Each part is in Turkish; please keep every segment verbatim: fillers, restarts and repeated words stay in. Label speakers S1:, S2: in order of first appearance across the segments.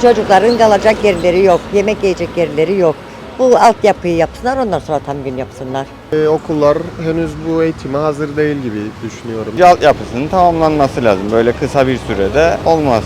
S1: çocukların kalacak yerleri yok, yemek yiyecek yerleri yok. Bu altyapıyı yapsınlar, ondan sonra tam gün yapsınlar.
S2: Ee, okullar henüz bu eğitime hazır değil gibi düşünüyorum.
S3: Altyapısının tamamlanması lazım. Böyle kısa bir sürede olmaz.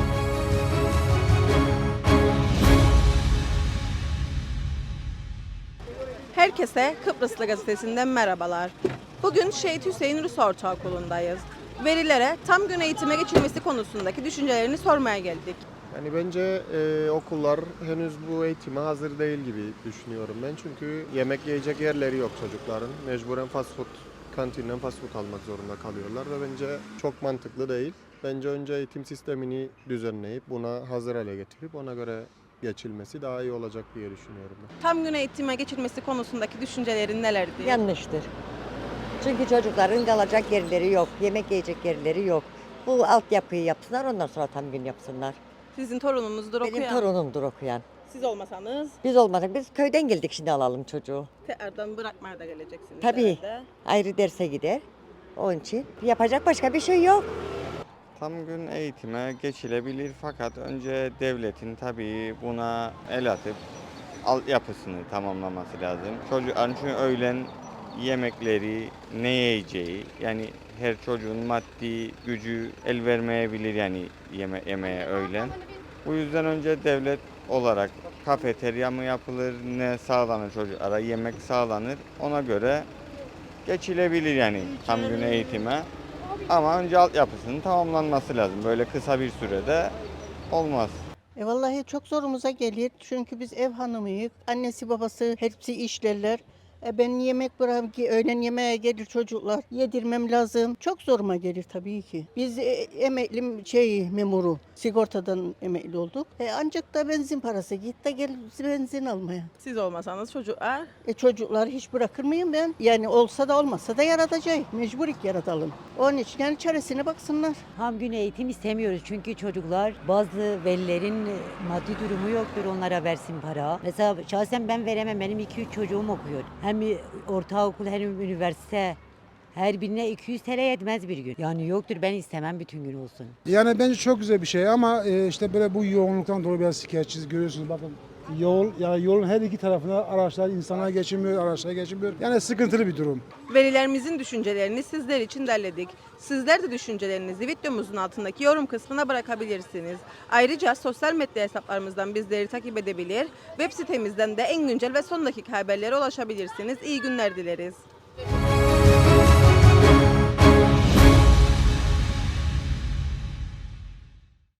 S4: Herkese Kıbrıslı Gazetesi'nden merhabalar. Bugün Şehit Hüseyin Rus Ortaokulu'ndayız. Velilere tam gün eğitime geçilmesi konusundaki düşüncelerini sormaya geldik.
S2: Yani bence e, okullar henüz bu eğitime hazır değil gibi düşünüyorum ben. Çünkü yemek yiyecek yerleri yok çocukların. Mecburen fast food, kantinden fast food almak zorunda kalıyorlar ve bence çok mantıklı değil. Bence önce eğitim sistemini düzenleyip buna hazır hale getirip ona göre geçilmesi daha iyi olacak diye düşünüyorum ben.
S4: Tam gün eğitime geçilmesi konusundaki düşüncelerin nelerdi?
S1: Yanlıştır. Çünkü çocukların kalacak yerleri yok, yemek yiyecek yerleri yok. Bu altyapıyı yapsınlar, ondan sonra tam gün yapsınlar.
S4: Sizin torununuzdur
S1: Benim
S4: okuyan.
S1: torunumdur okuyan.
S4: Siz olmasanız
S1: Biz olmadık, biz köyden geldik, şimdi alalım çocuğu.
S4: tekrardan bırakmaya da geleceksiniz.
S1: Tabii,
S4: herhalde.
S1: ayrı derse gider. Onun için yapacak başka bir şey yok.
S3: Tam gün eğitime geçilebilir fakat önce devletin tabii buna el atıp altyapısını tamamlaması lazım. Çocukların çünkü öğlen yemekleri ne yiyeceği, yani her çocuğun maddi gücü el vermeyebilir yani yeme yemeğe öğlen. Bu yüzden önce devlet olarak kafeterya mı yapılır, ne sağlanır çocuklara, yemek sağlanır, ona göre geçilebilir yani tam gün eğitime. Ama önce altyapısının tamamlanması lazım. Böyle kısa bir sürede olmaz.
S5: E vallahi çok zorumuza gelir çünkü biz ev hanımıyız. Annesi babası hepsi işlerler. E ben yemek bırakıp ki öğlen yemeğe gelir çocuklar. Yedirmem lazım. Çok zoruma gelir tabii ki. Biz e, emekli şey memuru. Sigortadan emekli olduk. E ancak da benzin parası. Git de gel benzin almaya.
S4: Siz olmasanız çocuklar
S5: E çocukları hiç bırakır mıyım ben? Yani olsa da olmasa da yaratacağız. Mecburik yaratalım. Onun için yani çaresine baksınlar.
S6: Tam gün eğitim istemiyoruz çünkü çocuklar bazı velilerin maddi durumu yoktur, onlara versin para. Mesela şahsen ben veremem, benim iki üç çocuğum okuyor. Hem ortaokul hem üniversite. Her birine iki yüz T L yetmez bir gün. Yani yoktur, ben istemem bütün gün olsun.
S7: Yani bence çok güzel bir şey ama e, işte böyle bu yoğunluktan dolayı biraz şikayetçiyiz, görüyorsunuz bakın. Yol, yani yolun her iki tarafına araçlar, insanlar geçemiyor, araçlar geçemiyor. Yani sıkıntılı bir durum.
S4: velilerimizin düşüncelerini sizler için derledik. Sizler de düşüncelerinizi videomuzun altındaki yorum kısmına bırakabilirsiniz. Ayrıca sosyal medya hesaplarımızdan bizleri takip edebilir, web sitemizden de en güncel ve son dakika haberlere ulaşabilirsiniz. İyi günler dileriz.